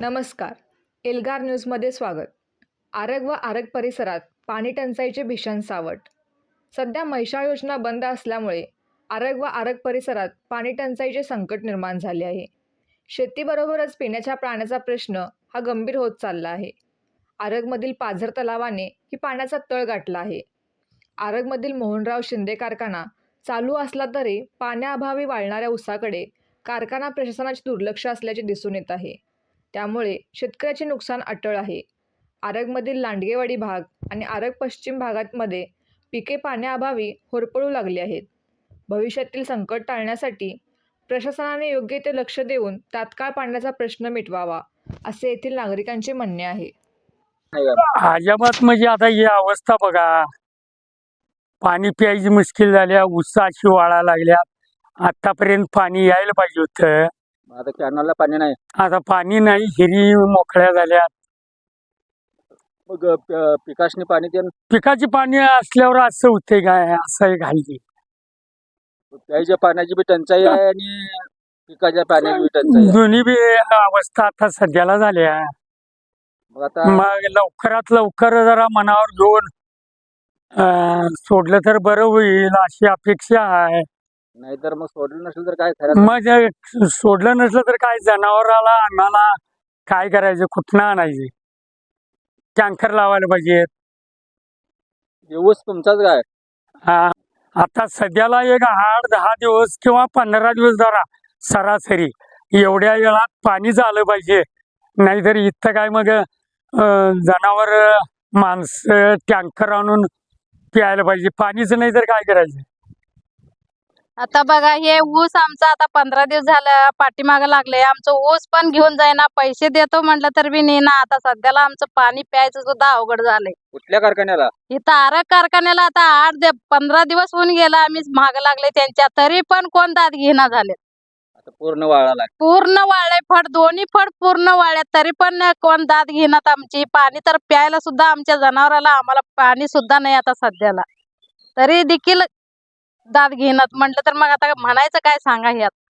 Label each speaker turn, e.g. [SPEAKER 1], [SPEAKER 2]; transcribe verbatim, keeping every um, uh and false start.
[SPEAKER 1] नमस्कार. एल्गार न्यूजमध्ये स्वागत. आरग व आरग परिसरात पाणी टंचाईचे भीषण सावट. सध्या म्हैसाळ योजना बंद असल्यामुळे आरग व आरग परिसरात पाणी टंचाईचे संकट निर्माण झाले आहे. शेतीबरोबरच पिण्याच्या पाण्याचा प्रश्न हा गंभीर होत चालला आहे. आरगमधील पाझर तलावाने ही पाण्याचा तळ गाठला आहे. आरगमधील मोहनराव शिंदे कारखाना चालू असला तरी पाण्याअभावी वाळणाऱ्या ऊसाकडे कारखाना प्रशासनाचे दुर्लक्ष असल्याचे दिसून येत आहे. त्यामुळे शेतकऱ्याचे नुकसान अटळ आहे. आरगमधील लांडगेवाडी भाग आणि आरग पश्चिम भागांमध्ये पिके पाण्याअभावी होरपळू लागली आहेत. भविष्यातील संकट टाळण्यासाठी प्रशासनाने योग्य ते लक्ष देऊन तात्काळ पाण्याचा प्रश्न मिटवावा, असे येथील नागरिकांचे म्हणणे आहे.
[SPEAKER 2] अजिबात म्हणजे आता ही अवस्था बघा, पाणी प्यायची मुश्किल झाल्या, ऊसाची वाळा लागल्या. आतापर्यंत पाणी यायला पाहिजे होतं,
[SPEAKER 3] आता कॅनलला पाणी नाही.
[SPEAKER 2] आता पाणी नाही, हिरी मोकळ्या झाल्या.
[SPEAKER 3] मग प- पिकासनी पाणी ते
[SPEAKER 2] पिकाची पाणी असल्यावर असं होते काय, असं आहे घालली.
[SPEAKER 3] प्यायच्या पाण्याची बी टंचाई आहे आणि पिकाच्या पाण्याची बी टंचाई आहे.
[SPEAKER 2] दोन्ही बी अवस्था आता सध्याला झाल्या.
[SPEAKER 3] मग आता
[SPEAKER 2] मग लवकरात लवकर जरा मनावर घेऊन अं, सोडलं तर बरं होईल अशी अपेक्षा आहे.
[SPEAKER 3] नाहीतर मग सोडलं नसेल तर काय खरं
[SPEAKER 2] मग जर सोडलं नसलं तर काय, जनावराला अन्नाला काय करायचं, कुठनं आणायचे? टँकर लावायला पाहिजे.
[SPEAKER 3] ऊस तुमचाच काय?
[SPEAKER 2] हा, आता सध्याला एक आठ दहा दिवस किंवा पंधरा दिवस जरा सरासरी एवढ्या वेळात पाणी झालं पाहिजे. नाहीतर इथं काय मग अं, जनावर माणसं टँकर आणून प्यायला पाहिजे. पाणीच नाही तर काय करायचं?
[SPEAKER 4] आता बघा, हे ऊस आमचा आता पंधरा दिवस झालं पाठीमागं लागले. आमचं ऊस पण घेऊन जाईना, पैसे देतो म्हटलं तर बी नाही ना. आता सध्याला आमचं पाणी प्यायचं सुद्धा अवघड झालंय.
[SPEAKER 3] कुठल्या कारखान्याला?
[SPEAKER 4] इथं आरग कारखान्याला आता आठ दे पंधरा दिवस होऊन गेला आम्ही माग लागले त्यांच्या, तरी पण कोण दाद घेणा झाले.
[SPEAKER 3] आता पूर्ण वाळाला.
[SPEAKER 4] पूर्ण वाळले फड, दोन्ही फड पूर्ण वाळ्यात, तरी पण कोण दाद घेणार आमची. पाणी तर प्यायला सुद्धा आमच्या जनावराला आम्हाला पाणी सुद्धा नाही आता सध्याला, तरी देखील दाद घेणार म्हटलं तर मग आता म्हणायचं काय सांगा ह्यात.